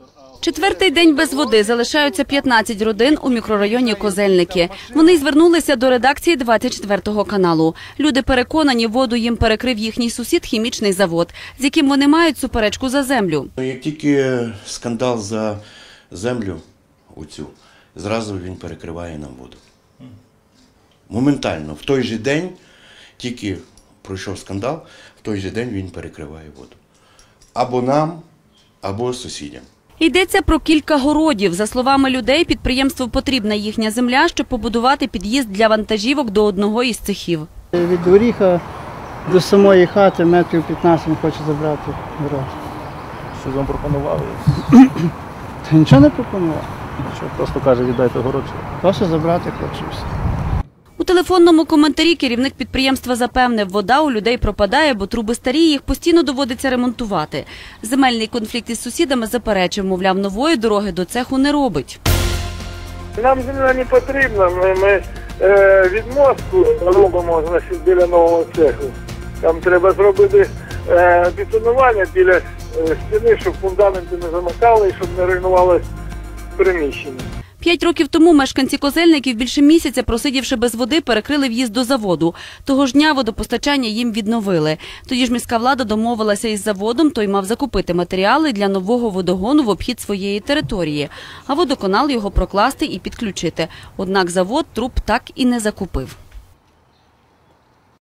Четвертий день без води. Залишаються 15 родин у мікрорайоні Козельники. Вони звернулися до редакції 24 каналу. Люди переконані, воду їм перекрив їхній сусід хімічний завод, з яким вони мають суперечку за землю. Як тільки скандал за землю оцю, зразу він перекриває нам воду. Моментально, в той же день, тільки пройшов скандал, в той же день він перекриває воду. Або нам, або сусідям. Йдеться про кілька городів. За словами людей, підприємству потрібна їхня земля, щоб побудувати під'їзд для вантажівок до одного із цехів. Від горіха до самої хати метрів 15 він хоче забрати город. Що вам пропонували? Та нічого не пропонував. Просто каже, віддайте город. Просто забрати хоче все. У телефонному коментарі керівник підприємства запевнив, вода у людей пропадає, бо труби старі, їх постійно доводиться ремонтувати. Земельний конфлікт із сусідами заперечив, мовляв, нової дороги до цеху не робить. Нам земля не потрібна, ми відмостку робимо біля нового цеху. Там треба зробити бетонування біля стіни, щоб фундаменти не замикали і щоб не руйнувалося приміщення. 5 років тому мешканці Козельників, більше місяця просидівши без води, перекрили в'їзд до заводу. Того ж дня водопостачання їм відновили. Тоді ж міська влада домовилася із заводом, той мав закупити матеріали для нового водогону в обхід своєї території, а водоканал його прокласти і підключити. Однак завод труб так і не закупив.